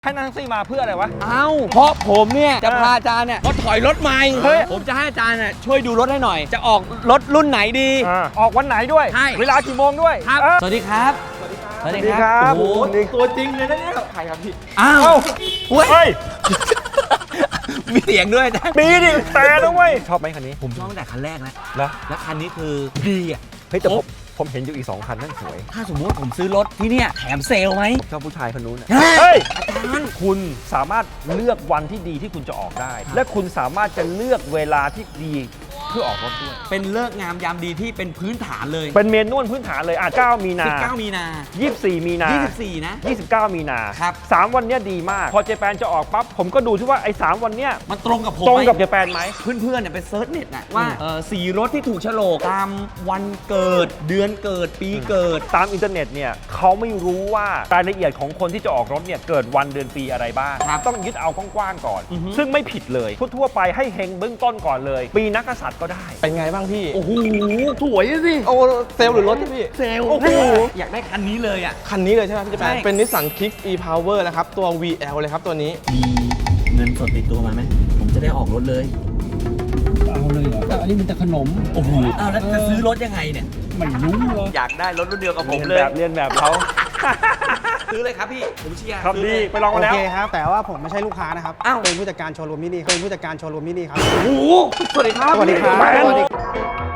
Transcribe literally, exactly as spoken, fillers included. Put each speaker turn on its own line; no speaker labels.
ให้นั่งแท็กซี่มาเพื่ออะไรวะ
เอ้าเพราะผมเนี่ยจะพาอาจารย์เนี่ยเขาถอยรถใหม่เฮ้ยผมจะให้อาจารย์เนี่ยช่วยดูรถให้หน่อยจะออกรถรุ่นไหนดี
ออกวันไหนด้วย
ใช่
เวลากี่โมงด้วย
ครับสวัสดีครับ
สวัสดีครับ
โอ้โห
ตัวจริงเลยนะเนี่ยใครครับพี่
อ้าว
เฮ้ย
มีเสียงด้วยนะ
มีดิแต่นะเว้ยชอบไหมคันนี้
ผมชอบตั้งแต่คันแรกแล้ว
แล้ว
แล้วคันนี้คือดีอ่ะ
เฮ้ยแต่ผมผมเห็นอยู่อีกสองคันนั่นสวย
ถ้าสมมติผมซื้อรถที่เนี่ยแถมเซลไหม
ชอบผู้ชายคนนู้น
เฮ้ย
อาจารย์คุณสามารถเลือกวันที่ดีที่คุณจะออกได้และคุณสามารถจะเลือกเวลาที่ดีเพื่อออกรถด้วย
เป็นเลิกงามยามดีที่เป็นพื้นฐานเลย
เป็นเมนวลพื้นฐานเลยอ่ะเก้ามีนา
สิบเก้ามีนา
ยี่สิบสี่มีนา
ยี่สิบสี่นะ
ยี่สิบเก้ามีนา
ครับ
สามวันเนี้ยดีมากพอเจแปนจะออกปั๊บผมก็ดูที่ว่าไอ้สามวันเนี้ย
มันตรงกับผม
ตรงกับเจแปนไหม
เพื่อนๆเนี่ยไปเซิร์ชเน็ตนะว่าเออสีรถที่ถูกโฉลกตามวันเกิดเดือนเกิดปีเกิด
ตามอินเทอร์เน็ตเนี่ยเขาไม่รู้ว่ารายละเอียดของคนที่จะออกรถเนี่ยเกิดวันเดือนปีอะไรบ้างต้องยึดเอากว้างๆก่อนซึ่งไม่ผิดเลยทั่วๆไปให้เฮงเบื้องต้นก่อนเลยปีนักกษัตริย์ก็ได้
เป็นไงบ้างพี่
โอ้โห
สวยสิโอ้เซลล์หรือรถพี่
เซลล์โอ้โหอยากได้คันนี้เลยอ่ะ
คันนี้เลยใช่ไหมพี่เจแปนเป็นนิสสันคิก e power นะครับตัว วี แอล เลยครับตัวนี้
มีเงินสดติดตัวมาไหมผมจะได้ออกรถเลย
เอาเลยเหรอแต่อันนี้มันแต่ขนม
โอ้โหอ้าวแล้วจะซื้อรถยังไงเนี่ย
ไม่รู้เลย
อยากได้รถรุ่นเดียวกับผมเลย
เรียนแบบเขา
ซื้อเลยครับพี่ผมเชียร์
ครับดีไปลองกันแล้ว
โอเคครับแต่ว่าผมไม่ใช่ลูกค้านะครับอ้าวเป็นผู้จัดการโชว์รูมมินิเป็นผู้จัดการโชว์รูมมินิครับ
โอ้โหสวัสดีครับ
สวัสดีครับ